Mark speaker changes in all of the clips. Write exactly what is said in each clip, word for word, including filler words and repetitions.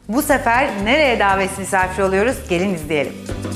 Speaker 1: Bu sefer nereye davet misafir oluyoruz? Gelin izleyelim.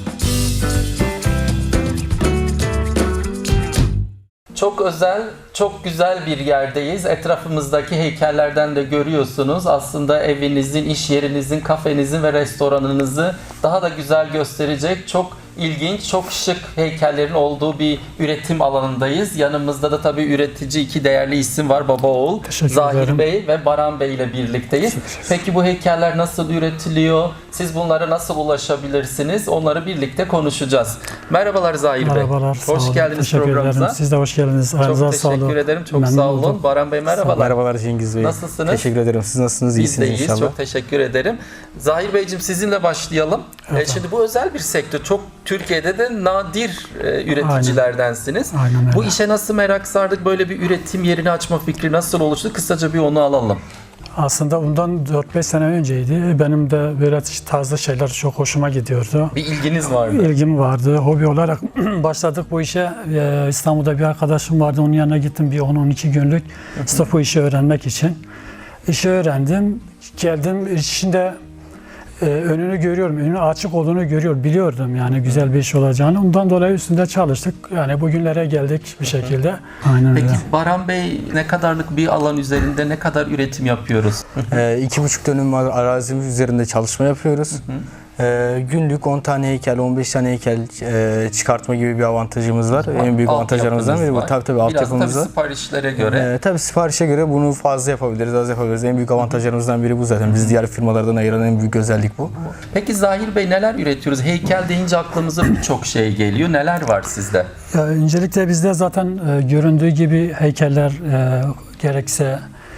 Speaker 2: Çok özel, çok güzel bir yerdeyiz. Etrafımızdaki heykellerden de görüyorsunuz. Aslında evinizin, iş yerinizin, kafenizin ve restoranınızı daha da güzel gösterecek çok ilginç, çok şık heykellerin olduğu bir üretim alanındayız. Yanımızda da tabii üretici iki değerli isim var. Baba oğul, Zahir Bey ve Baran Bey ile birlikteyiz. Peki bu heykeller nasıl üretiliyor? Siz bunlara nasıl ulaşabilirsiniz? Onları birlikte konuşacağız. Merhabalar Zahir Bey.
Speaker 3: Merhabalar.
Speaker 2: Hoş geldiniz programımıza.
Speaker 3: Siz de hoş geldiniz.
Speaker 2: Çok
Speaker 3: Aranıza
Speaker 2: teşekkür
Speaker 3: sağlık.
Speaker 2: ederim. Çok
Speaker 3: Memnun
Speaker 2: sağ olun.
Speaker 3: oldum.
Speaker 2: Baran Bey merhabalar.
Speaker 4: Merhabalar Cengiz Bey.
Speaker 2: Nasılsınız?
Speaker 4: Teşekkür ederim. Siz nasılsınız?
Speaker 2: Biz
Speaker 4: İyisiniz
Speaker 2: de iyiyiz.
Speaker 4: inşallah.
Speaker 2: Çok teşekkür ederim. Zahir Beyciğim sizinle başlayalım.
Speaker 3: Evet.
Speaker 2: Ee, şimdi bu özel bir sektör. Çok Türkiye'de de nadir e, üreticilerdensiniz.
Speaker 3: Aynen. Aynen
Speaker 2: Bu
Speaker 3: öyle.
Speaker 2: işe nasıl merak sardık? Böyle bir üretim yerini açma fikri nasıl oluştu? Kısaca bir onu alalım.
Speaker 3: Aslında bundan dört beş sene önceydi. Benim de böyle tarzda şeyler çok hoşuma gidiyordu.
Speaker 2: Bir ilginiz vardı.
Speaker 3: İlgim vardı. Hobi olarak başladık bu işe. Ee, İstanbul'da bir arkadaşım vardı. Onun yanına gittim bir on on iki günlük. Sırf bu işi öğrenmek için. İşi öğrendim. Geldim içinde e, önünü görüyorum. Önü açık olduğunu görüyorum. Biliyordum yani güzel bir iş olacağını. Ondan dolayı üstünde çalıştık. Yani bugünlere geldik bir şekilde. Aynen
Speaker 2: Peki
Speaker 3: öyle.
Speaker 2: Baran Bey ne kadarlık bir alan üzerinde ne kadar üretim yapıyoruz?
Speaker 4: Ee, iki buçuk dönüm arazimiz üzerinde çalışma yapıyoruz. Ee, günlük on tane heykel, on beş tane heykel e, çıkartma gibi bir avantajımız var. En büyük avantajlarımızdan biri bu. Tabii tabii altyapımız
Speaker 2: Biraz
Speaker 4: var.
Speaker 2: tabii siparişlere göre.
Speaker 4: Ee, tabii siparişe göre bunu fazla yapabiliriz, az yapabiliriz. En büyük avantajlarımızdan biri bu zaten. Biz diğer firmalardan ayıran en büyük özellik bu.
Speaker 2: Peki Zahir Bey neler üretiyoruz? Heykel deyince aklımıza birçok şey geliyor. Neler var sizde?
Speaker 3: Ya, öncelikle bizde zaten e, göründüğü gibi heykeller e, gerekse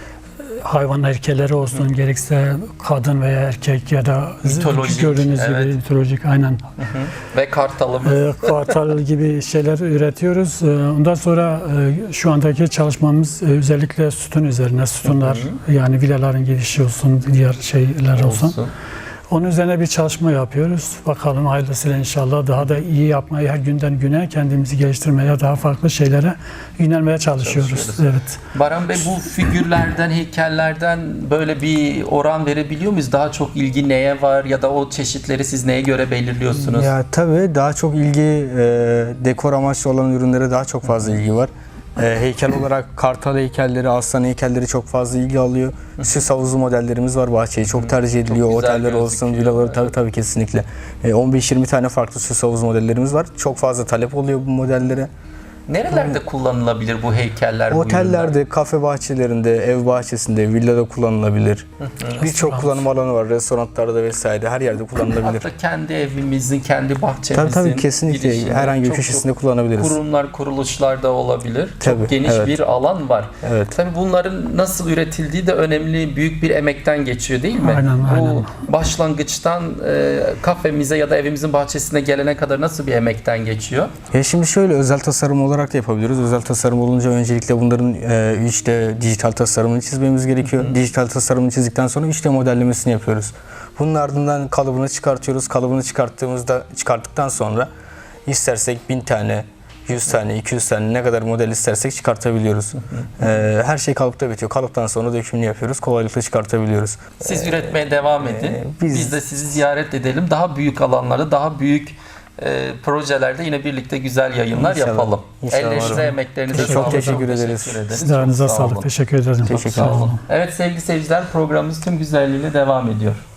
Speaker 3: hayvan heykelleri olsun, gerekse kadın veya erkek ya da
Speaker 2: Mitolojik,
Speaker 3: gördüğünüz
Speaker 2: evet.
Speaker 3: gibi mitolojik aynen.
Speaker 2: Hı hı. Ve kartalımız.
Speaker 3: E, kartal gibi şeyler üretiyoruz. E, ondan sonra e, şu andaki çalışmamız e, özellikle sütun üzerine, sütunlar yani villaların girişi olsun, diğer şeyler olsun.
Speaker 2: olsun.
Speaker 3: Onun üzerine bir çalışma yapıyoruz. Bakalım hayırlısıyla inşallah daha da iyi yapmaya, her günden güne kendimizi geliştirmeye, daha farklı şeylere yönelmeye çalışıyoruz.
Speaker 2: Çalışıyoruz.
Speaker 3: Evet.
Speaker 2: Baran Bey bu figürlerden, heykellerden böyle bir oran verebiliyor muyuz? Daha çok ilgi neye var ya da o çeşitleri siz neye göre belirliyorsunuz?
Speaker 4: Ya tabii daha çok ilgi, e, dekor amaçlı olan ürünlere daha çok fazla ilgi var. E, heykel olarak kartal heykelleri, aslan heykelleri çok fazla ilgi alıyor. Süs havuzu modellerimiz var bahçeye. Çok tercih ediliyor.
Speaker 2: Çok güzel
Speaker 4: Oteller olsun,
Speaker 2: gözüküyor.
Speaker 4: villaları tabii tabii kesinlikle. E, on beş yirmi tane farklı süs havuz modellerimiz var. Çok fazla talep oluyor bu modellere.
Speaker 2: Nerelerde kullanılabilir bu heykeller? bu ürünler?
Speaker 4: Otellerde, kafe bahçelerinde, ev bahçesinde, villada kullanılabilir. Birçok kullanım alanı var. Restoranlarda vesaire her yerde kullanılabilir.
Speaker 2: Hatta kendi evimizin, kendi bahçemizin
Speaker 4: Tabii tabii kesinlikle
Speaker 2: girişinde
Speaker 4: herhangi bir
Speaker 2: çok
Speaker 4: köşesinde
Speaker 2: çok
Speaker 4: kullanabiliriz.
Speaker 2: Kurumlar, kuruluşlar da olabilir.
Speaker 4: Tabii,
Speaker 2: çok geniş
Speaker 4: evet.
Speaker 2: bir alan var.
Speaker 4: Evet.
Speaker 2: Tabii bunların nasıl üretildiği de önemli, büyük bir emekten geçiyor değil mi?
Speaker 3: Aynen,
Speaker 2: Bu
Speaker 3: aynen.
Speaker 2: başlangıçtan e, kafemize ya da evimizin bahçesine gelene kadar nasıl bir emekten geçiyor?
Speaker 4: Ya şimdi şöyle özel tasarım olarak da yapabiliriz. Özel tasarım olunca öncelikle bunların e, üç D dijital tasarımını çizmemiz gerekiyor. Hı hı. Dijital tasarımını çizdikten sonra üç D modellemesini yapıyoruz. Bunun ardından kalıbını çıkartıyoruz. Kalıbını çıkarttığımızda çıkarttıktan sonra istersek bin tane, yüz tane, iki yüz tane ne kadar model istersek çıkartabiliyoruz. Hı hı. E, her şey kalıpta bitiyor. Kalıptan sonra dökümünü yapıyoruz. Kolaylıkla çıkartabiliyoruz.
Speaker 2: Siz üretmeye devam edin.
Speaker 4: e, biz-
Speaker 2: Biz de sizi ziyaret edelim. Daha büyük alanlarda, daha büyük e, projelerde yine birlikte güzel yayınlar
Speaker 4: İnşallah.
Speaker 2: yapalım.
Speaker 4: İnşallah.
Speaker 2: Ellerinize, emeklerinize
Speaker 4: Çok
Speaker 2: sağlık.
Speaker 4: teşekkür ederiz.
Speaker 2: Teşekkür ederiz.
Speaker 3: Siz de aranıza
Speaker 2: Çok sağ
Speaker 3: sağlık.
Speaker 2: olun.
Speaker 3: Teşekkür ederim.
Speaker 4: Teşekkür
Speaker 3: Sağ olun.
Speaker 2: Evet sevgili seyirciler, programımız tüm güzelliğiyle devam ediyor.